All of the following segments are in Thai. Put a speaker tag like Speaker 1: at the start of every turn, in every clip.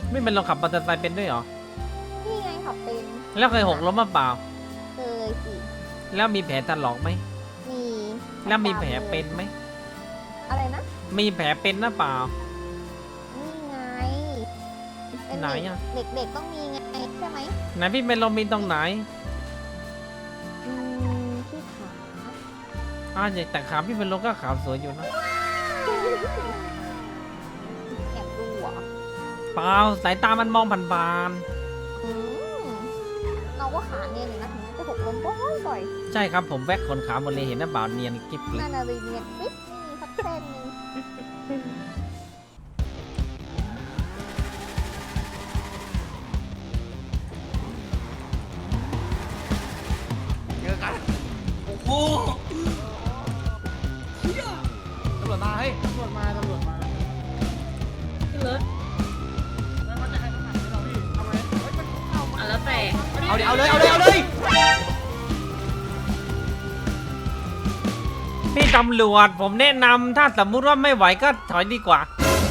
Speaker 1: ไม่เป็นลองขับมอเตอร์ไซค์เป็นด้วยเหรอ
Speaker 2: นี่ไงขับเป็น
Speaker 1: แล้วเคยหกล้มมาเปล่า
Speaker 2: เคยสิ
Speaker 1: แล้วมีแผลถลอกไหม
Speaker 2: มี
Speaker 1: แล้วมีแผลเป็นไหม
Speaker 2: อะไรนะ
Speaker 1: มีแผลเป็นหรือเปล่า
Speaker 2: นี่ไงเป็น
Speaker 1: ไหนอะ
Speaker 2: เด็กๆต้องมีไงใช่ไหม
Speaker 1: ไหนพี่เป็นลมมีตรงไหน
Speaker 2: ที่ขา
Speaker 1: แต่ขาพี่เป็นลมก็ขาวสวยอยู่นะ
Speaker 2: แอบดูเหรอ
Speaker 1: เปล่าสายตามันมองผ่าน
Speaker 2: อืมเราก็ขาเนียนอยู่นะถึงจะหกล้มบ่อย
Speaker 1: ๆใช่ครับผมแวกขนขาหมดเลยเห็นหรือเปล่าเนียนกิ๊บเล
Speaker 2: ๆ
Speaker 1: ย
Speaker 2: นานารีเนียนปิ๊บไม่มีสักเส้นหนึง
Speaker 3: เจอกันโอ้โหเชี่ยตำรวจมาเฮ้ย
Speaker 4: ตำรวจมา
Speaker 5: ขึ้นรถ
Speaker 4: แล้วเขาจะให้น้ำหนักให้เราพี่เอาไหมเฮ้ยมันเอามา
Speaker 5: อ่ะแล้วแต่
Speaker 3: เอาดิเอาเลยเอาเลยเอาเลย
Speaker 1: พี่ตำรวจผมแนะนำถ้าสมมุติว่าไม่ไหวก็ถอยดีกว่า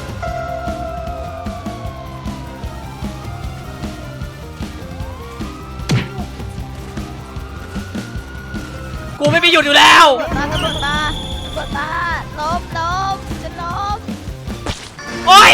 Speaker 1: กูไม่ไปหยุดอยู่แล้ว
Speaker 2: ตำรวจมาล้มจะล้ม
Speaker 1: โอ๊ย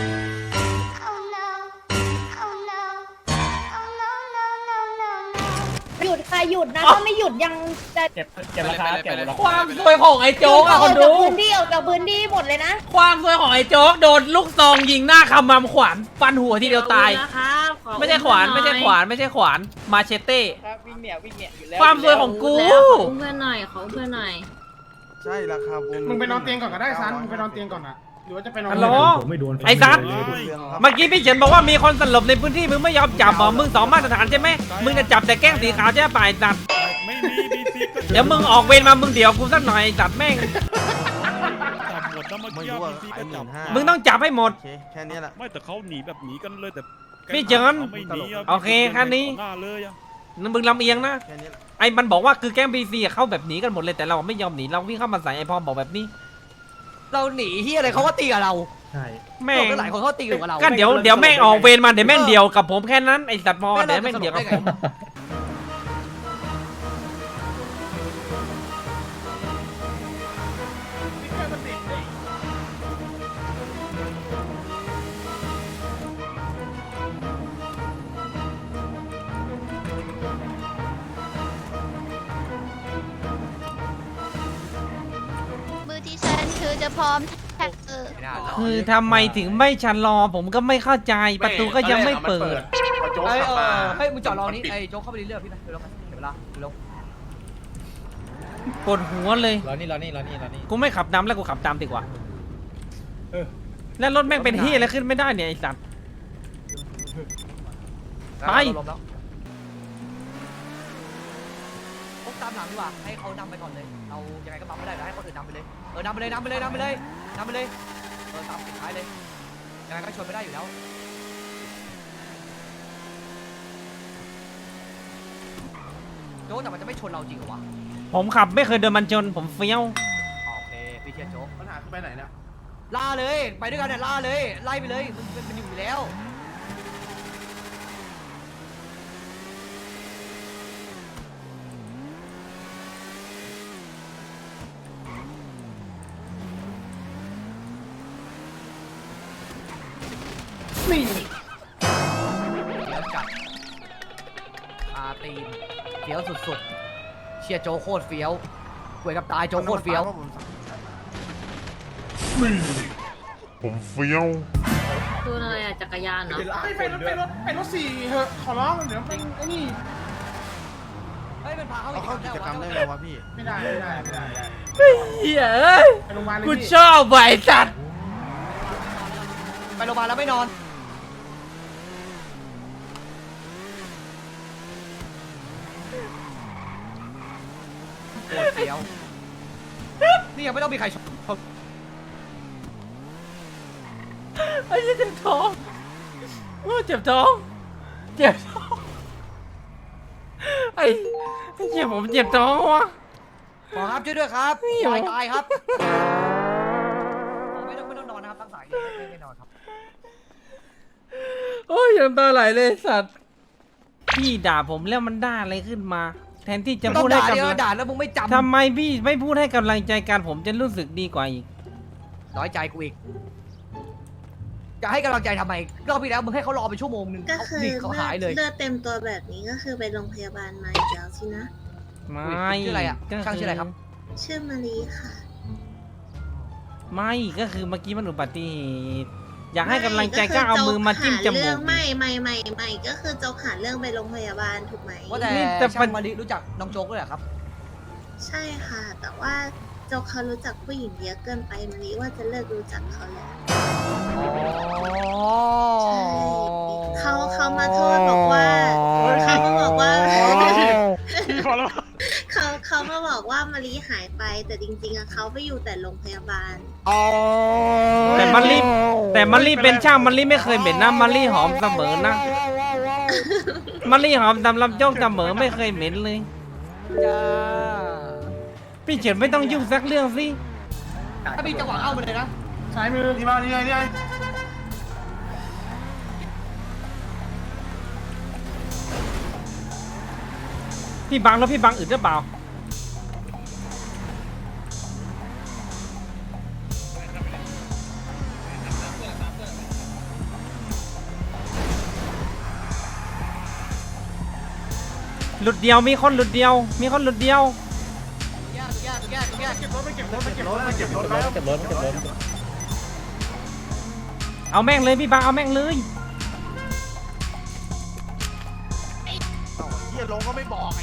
Speaker 6: หยุดค่ะหยุดนะถ้าไม่หยุดยังจะ
Speaker 4: เก็บราคาเก็บราคา
Speaker 1: ความสวยของไอ้โจ๊กอะ
Speaker 6: อ
Speaker 1: ค
Speaker 6: อก
Speaker 1: น
Speaker 6: จาก
Speaker 1: ดู
Speaker 6: พื้นที่ออกจากพื้นที่หมดเลยนะ
Speaker 1: ความสวยของไอ้โจ๊กโดนลูกซองยิงหน้าขมำขวานฟันหัวทีเดียวตาย
Speaker 5: นะครับขอ
Speaker 1: ไม่ใช่ขวาน
Speaker 5: อุ้
Speaker 1: ไม่
Speaker 5: ห
Speaker 1: ใช่
Speaker 5: อย
Speaker 1: ขวานไม่ใช่ขวานมาเชเต้
Speaker 4: ครับวิ่งเนี่ยอยู่แล้ว
Speaker 1: ความสวยของกู
Speaker 5: แล้วขออุ้มเพื่อนหน่อยขออุ้มเพื่อนหน่อย
Speaker 7: ใช่ราคาบูม
Speaker 4: มึงไปนอนเตียงก่อนก็ได้ซันมึงไปนอนเตียงก่อนอะหรือว่าจะไปนอน
Speaker 1: ฮัลโหล
Speaker 8: ผมไม่โดน
Speaker 1: ไอ้ซัด
Speaker 7: เรื่องครับ
Speaker 1: เมื่อกี้พี่เฉินบอกว่ามีคนสลบในพื้นที่มึงไม่ยอมจับเหรอมึงสองมาตรฐานใช่ไหมมึงจะจับแต่แกล้งสีขาวใช่ป่ะไอ้สัตว์
Speaker 8: ไม่มีบีซีก็
Speaker 1: เดี๋ยวมึงออกเวรมามึงเดี๋ยวกูสักหน่อยไอ้สัตว์แม่ง
Speaker 8: จับหมดแล้วเมื่อ
Speaker 7: ไม่
Speaker 8: กี้
Speaker 7: รู้ว่า
Speaker 8: บีซี
Speaker 7: ขาย
Speaker 8: ก็
Speaker 7: ห
Speaker 8: จั
Speaker 7: มื่
Speaker 8: บ
Speaker 7: นห้า
Speaker 1: มึงต้องจับให้หมด
Speaker 7: โอเคแค่นี้แหละ
Speaker 8: ไม่แต่เขาหนีแบบหนีกันเลยแต่
Speaker 1: พี่เจิญ
Speaker 8: ขาไม่หนีะ
Speaker 1: โอเคแค่นี้
Speaker 8: หน้าเลยอะ
Speaker 1: มึงลำเอียงนะ
Speaker 7: แค่นี้แหละ
Speaker 1: ไอ้มันบอกว่าคือแก๊งบีซีเข้าแบบหนีกันหมดเลยแต่เราไม่ยอมหนีเราวิ่งเข้ามาใส่ไอ้พอบอกแบบนี้
Speaker 3: เราหนีเฮียอะไรเขาก็ตีกับเรา
Speaker 8: ใช่
Speaker 1: แม่ง
Speaker 3: หลายคนเขาตีกับเรา
Speaker 1: ก็เดี๋ยวแม่งออกเวรมาเดี๋ยวแม่งเดียวกับผมแค่นั้นไอ้สัตว์พอเดี๋ยวแม่งเดียวกับผม
Speaker 2: มือที่ฉันคือจะพร้อมแท็ก
Speaker 1: คือทำไมถึงไม่ชะลอผมก็ไม่เข้าใจประตูก็ยังไม่เปิด
Speaker 3: เฮ้ยเฮ้ยมึงจอดรอนี้ไอ้โจ๊กเข้าไปเรื่อยๆพี่ไปเร็วๆเดี๋ยวเวลาเร็ว
Speaker 1: ปวดหัวเลย
Speaker 4: รอนี่
Speaker 1: กูไม่ขับนำแล้วกูขับตามดีกว่า แล้วรถแม่งเป็นที่อะไรขึ้นไม่ได้เนี่ยไอ้สัตว์ ไป
Speaker 3: ลมแล้วพกตามหลังดีกว่าให้เขานำไปก่อนเลยเรายังไงก็บังไม่ได้ให้คนอื่นนำไปเลยนำไปเลยเออตามปิดท้ายเลยยังไงก็ชนไม่ได้อยู่แล้วโจ๊กแต่มันจะไม่ชนเราจริงเหรอวะ
Speaker 1: ผมขับไม่เคยเดินมันชนผมเฟี้ยว
Speaker 3: โอเคพี่เชียร์โจ๊ก
Speaker 4: ปัญหาคือไปไหนเนี่ย
Speaker 3: ล่าเลยไปด้วยกันเนี่ยล่าเลยไล่ไปเลยมันอยู่แล้วนี่เดี๋ยวจัดคาตีนเฟี้ยวสุดๆเชียร์โจ๊กโคตรเฟี้ยวหวยกับตายโจ๊กโคตรเฟี้ยว
Speaker 9: ผมเฟี้ยว
Speaker 5: ตัวอะไรอ่ะจักรยานเนาะ
Speaker 4: ไปรถสี่เหอะขอร้องเดี๋ยวเป็นไอ้นี่
Speaker 3: เฮ้ยมันพาเขา
Speaker 7: เอาเข้ากิจกรรมได้ไหมวะพี่
Speaker 4: ไม่ได้
Speaker 1: เหี้ยเอ้ย
Speaker 4: ไปโรงพยาบาลเลย
Speaker 1: กู
Speaker 4: พี่
Speaker 1: ชอบไอ้สัตว์
Speaker 3: ไปโรงพยาบาลแล้วไม่นอนโคตรเฟี้ยวนี่ยังไม่ต้องมีใครชม
Speaker 1: ไอ้เหี้ยเจ็บท้องโอ้เจ็บท้องเจ็บท้องไอ้เหี้ยผมเจ็บท้องวะ
Speaker 3: หมอครับช่วยด้วยครับ
Speaker 1: เฮ้ย
Speaker 3: ยายตายครับไม่ต้องนอนนะครับตั้งสายไม่นอนครับ
Speaker 1: น้ำตาไหลเลยสัตว์พี่ด่าผมแล้วมันด่าอะไรขึ้นมา แทนที่จะ
Speaker 3: ต้อ
Speaker 1: พู
Speaker 3: ง
Speaker 1: ดให้
Speaker 3: ด่าเดียว
Speaker 1: กำลัง
Speaker 3: ด่าแล้วมึงไม่จำ
Speaker 1: ทำไมพี่ไม่พูดให้กำลังใจกันผมจะรู้สึกดีกว่าอีก
Speaker 3: น้อยใจกูอีกจะให้กำลังใจทำไมรอบที่แล้วมึงให้เขารอไปชั่วโมงนึง
Speaker 5: ก็
Speaker 3: เขา
Speaker 5: คือ
Speaker 3: ดิเขาหายเลย
Speaker 5: เลือดเต็มตัวแบบนี้ก็คือไปโรงพยาบาลมาอีกแล้วสินะ
Speaker 1: ไม่
Speaker 3: ชื่ออะไรอ่ะ
Speaker 1: ก็
Speaker 3: ช่างชื่ออะไรครับ
Speaker 5: ชื่อมารีค่ะ
Speaker 1: ไม่ก็คือเมื่อกี้มันอุบัติเหตุอยากให้กำลังใจก็เอามือมาจิ้มจมูก
Speaker 5: ไม่ก็คือโจกหาเรื่องไปโรงพยาบาลถูกไหม
Speaker 3: ว่าแต่
Speaker 1: นี่แต่
Speaker 3: ช่างมาริรู้จักน้องโจ๊กด้วยเหรอครับ
Speaker 5: ใช่ค่ะ แต่ว่าโจกเขารู้จักผู้หญิงเยอะเกินไปมารีว่าจะเลิกรู้จักเขาแล้ว เขามาโทษบอกว่าเขามาบอกว่า
Speaker 8: พี่พอแล้ว
Speaker 5: เขามาบอกว่ามารีหายไปแต่จริงๆอะเขาไปอยู่แต่โรงพยาบาล
Speaker 1: แต่มันรีเป็นช่างมันรีไม่เคยเหม็นนะมันรีหอมเสมอนะมันรีหอมตามลำโจกเสมอไม่เคยเหม็นเลย
Speaker 3: จ้า
Speaker 1: พี่เฉินไม่ต้องยุ่งสักเรื่องสิ
Speaker 3: ถ้ามีจังหวะเอาไปเลยนะ
Speaker 4: ซ้ายมือ
Speaker 7: นี่มานี่ไงนี่ไง
Speaker 1: พี่บังแล้วพี่บังอึดหรือเปล่าหลุดเดียวมีคนหลุดเดียวมีคนหลุดเดียว
Speaker 3: แย่
Speaker 4: เก็บรถไปเก็บรถไปเก็บรถ
Speaker 7: เก็บรถแล้ว
Speaker 1: เอาแม่งเลยพี่บังเอาแม่งเลย
Speaker 7: เฮียลงก็ไม่บอกไอ้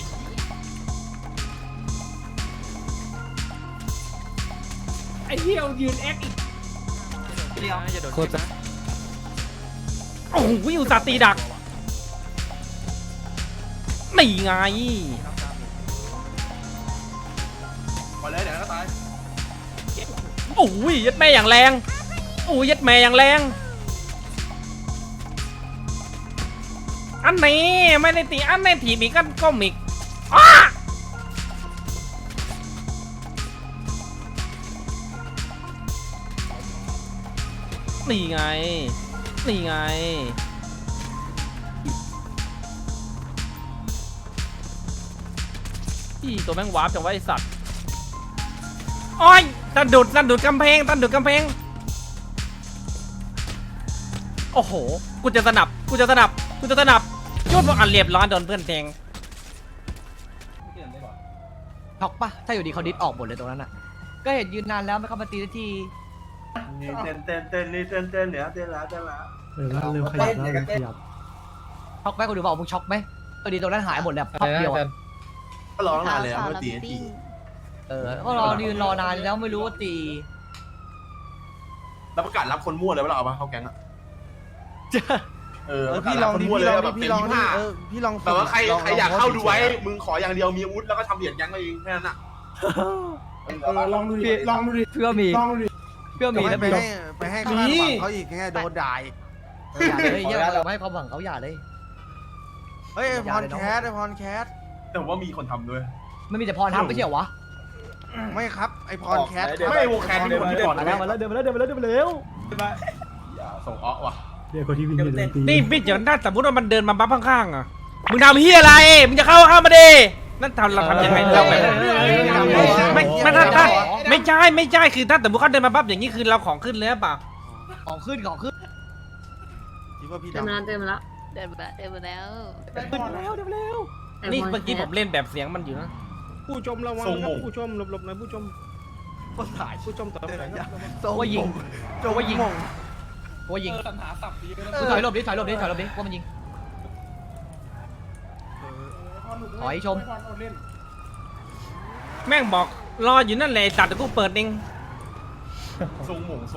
Speaker 4: ไอ้เหี้ยยืนแอคอีก
Speaker 1: โคตรโอ้โหวิวสาห์ตีดักนี่ไง
Speaker 7: มาเลยเดี๋ยวก็ตาย
Speaker 1: โอ้ยยัดแม่อย่างแรงโอ้ยยัดแม่อย่างแรงอันนี้ไม่ได้ตีอันนี้ถีบอีกก็ก้มอีกอ้านี่ไงนี่ไงพี่ตัวแม่งวาร์ปจังวะไอสัตว์โอ้ยตันดุดกำแพงโอ้โหกูจะสนับยอดว่าอันเรียบร้อยโดนเพื่อนแทง
Speaker 3: ช็อกปะถ้าอยู่ดีเขาดิสออกหมดเลยตรงนั้นอ่ะ ก็เห็นยืนนานแล้วไม่เข้ามาตีสักที
Speaker 7: นี่เต้นนี่เต้นเหนือเต้นแล้ว
Speaker 10: เร็วขยับแล้วเร็วขยับ
Speaker 3: ช็อกไหมคุณดูบอกมึงช็อกไหมดีตรงนั้นหายหมดเลยพับเดียวอะ
Speaker 7: ก็รอตั้งนานเลยไม่ตีที
Speaker 3: ก็รอยืนรอนานแล้วไม่รู้ว่าตี
Speaker 7: แล้วประกาศรับคนมั่วเลยว่าเราเอาปะเข้าแก๊งอ่ะ
Speaker 10: พี่ลองดิพี่ลองดิพี่ลองดิพี่ลอง
Speaker 7: แต่ว่าใครอยากเข้าดูไว้มึงขออย่างเดียวมีอาวุธแล้วก็ทำเหรียญแก๊งมาเองแค่นั้นอ่ะ
Speaker 4: ลองดูดิลองดูดิ
Speaker 3: เพื่อมี
Speaker 4: ลองดูดิ
Speaker 3: นะ
Speaker 10: ไปให้ข้าวหวังเขาอีกไงโดนด่า
Speaker 3: อย่าเลยอย่าไม่ให้ความหวังเขาอย่าเลย
Speaker 10: เฮ้ยพรแคส
Speaker 7: แต่ผมว่ามีคนทำด้วย
Speaker 3: ไม่มีแต่พรทำไม่ใช่เหรอวะ
Speaker 10: ไม่ครับไอพรแคส
Speaker 7: ไม่วงแคนมีคนที่ก่อน
Speaker 10: มาแล้วเดินมาแล้ว
Speaker 7: ส่งอ้อว่ะ
Speaker 10: เดี๋ยวคนที่วินเดินตี
Speaker 1: นี่พี่เดี๋ยวถ้าสมมติว่ามันเดินมาบัฟข้างๆอ่ะมึงทำเฮียอะไรมึงจะเข้ามาดินั่นเราทำยังไงเราแบบไม่ใช่คือถ้าสมมติเขาเดินมาบัฟอย่างนี้คือเราของขึ้นเลยหรือเปล่า
Speaker 3: ของขึ้น
Speaker 10: คิดว่าพี่
Speaker 5: เต็ม
Speaker 10: ดำ
Speaker 5: แล้วเต็มแล้ว
Speaker 2: เดินมาแล้ว
Speaker 1: นี่เมื่อกี้ผมเล่นแบบเสียงมันอยู่นะ
Speaker 4: ผู้ชมระวังนะครับผู้ชมหลบๆหน่อยผู้ชม
Speaker 10: ก็ถ่าย
Speaker 4: ผู้ชมต่อไปครับ
Speaker 3: โจว่ายิงว่ายิงกูถอยหลบดิว่ามันยิงถอยชม
Speaker 1: แม่งบอกรออยู่นั่นแหละตัดแต่กูเปิดเอง
Speaker 7: ทรงหม่ง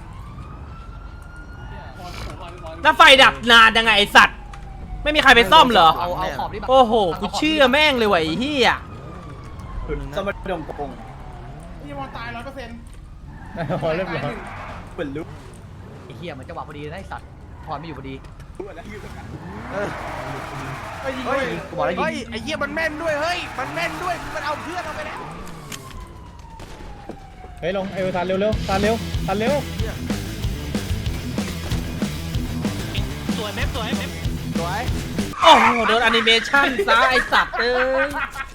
Speaker 1: แล้วไฟดับนานยังไงไอสัตว์ไม่มีใครไปซ่อมเหรอ
Speaker 3: เอาขอบดิ
Speaker 1: โอ้โหกูเชื่อแม่งเลยว่ะไอ้เหี้ย
Speaker 7: สมัยดงกง
Speaker 4: พี่วอนตาย100%
Speaker 10: พอเรียบร้อย
Speaker 3: ไอ้เหี้ยมันจังหวะพอดีนะไอ้สัตว์พรไม่อยู่พอดี
Speaker 10: เฮ้ย
Speaker 3: กูบอกแล้วยิง
Speaker 10: ไอเหี้ยมันแม่นด้วยเฮ้ยมันแม่นด้วยมันเอาเพื่อนเอาไปแล้ว
Speaker 8: เฮ้ยลงเอวทานเร็ว
Speaker 1: ส
Speaker 10: สวย
Speaker 1: โอ้โหโดนแอนิเมชั่นซะไอสัตว์เอ้ย